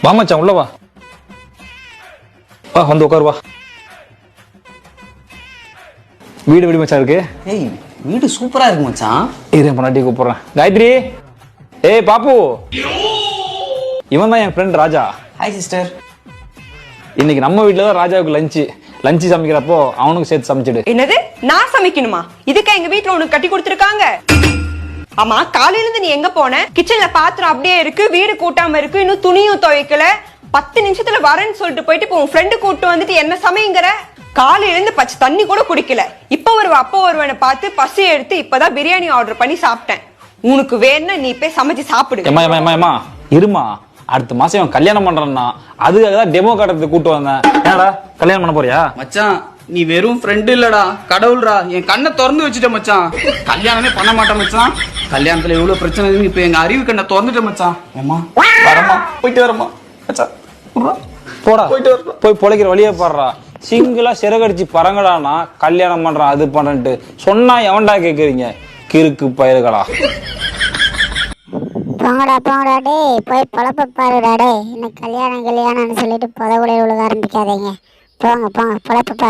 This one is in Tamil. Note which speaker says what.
Speaker 1: வா மச்சான் உள்ள வா. வா வந்து உட்காரு வா. வீடு எப்படி மச்சான் இருக்கு?
Speaker 2: ஏய் வீடு சூப்பரா இருக்கு மச்சான்.
Speaker 1: இரு பொண்டாட்டி கூப்பிடுறேன். காயத்ரி, ஏய் பாப்பு, இவன் தான் என் ஃப்ரெண்ட் ராஜா.
Speaker 2: Hi sister.
Speaker 1: இன்னைக்கு நம்ம வீட்டுல தான் ராஜாவுக்கு லஞ்சு சமைக்கிறப்போ அவனுக்கு சேர்த்து சமைச்சிடு.
Speaker 3: என்னது நான் சமைக்கணுமா? இதுக்கா எங்க வீட்டுல உனக்கு கட்டி கொடுத்துருக்காங்க? ஆமா, காலையில இருந்து நீ எங்க போன? கிச்சன்ல பாத்திரம் அப்படியே இருக்கு, வீடு கூட்டாம இருக்கு, இன்னும் துணியும் துவைக்கல. 10 நிமிஷத்துல வரேன்னு சொல்லிட்டு போயிட்டு இப்போ உன் ஃப்ரெண்டு கூட்டு வந்துட்டு என்ன சமைங்கிற? காலையில இருந்து பச்சை தண்ணி கூட குடிக்கல. இப்ப வருவேன்னு பார்த்து பசி எடுத்து இப்பதான் பிரியாணி ஆர்டர் பண்ணி சாப்பிட்டேன். உனக்கு வேணும்னா நீ போய் சமைச்சு சாப்பிடு.
Speaker 1: ஏமா இருமா, அடுத்த மாசம் இவன் கல்யாணம் பண்றான்னா அதுக்காக தான் டெமோ காட்டுறதுக்கு கூட்டு வந்தேன். என்னடா கல்யாணம் பண்ண போறியா?
Speaker 2: மச்சான் நீ வெறும் ஃப்ரெண்ட் இல்லடா, கடவுள்ரா. என் கண்ணை திறந்து வச்சுட்ட மச்சான். கல்யாணமே பண்ண மாட்டேன் மச்சான். கல்யாணத்துல எவ்வளவு பிரச்சனை இருக்கு, இப்ப எங்க அறிவு கண்ணை திறந்துட்ட மச்சான். ஏமா வரமா, போயிட்டு வரமா மச்சான்.
Speaker 1: போடா
Speaker 2: போயிட்டு வரமா.
Speaker 1: போய் பொழைக்கிற வழியே பாடுறா. சிங்கிளா சிறகடிச்சு பறங்கடானா கல்யாணம் பண்றான் அது பண்ணன்ட்டு சொன்னா எவன்டா கேக்குறீங்க? கிறுக்கு பயிர்களா.
Speaker 4: போங்கடா டேய், போய் பொழப்ப பாருடா டேய். இன்னும் கல்யாணம்னு சொல்லிட்டு புதவுலையில் விழுக ஆரம்பிக்காதீங்க. போங்க பொழப்ப பாரு.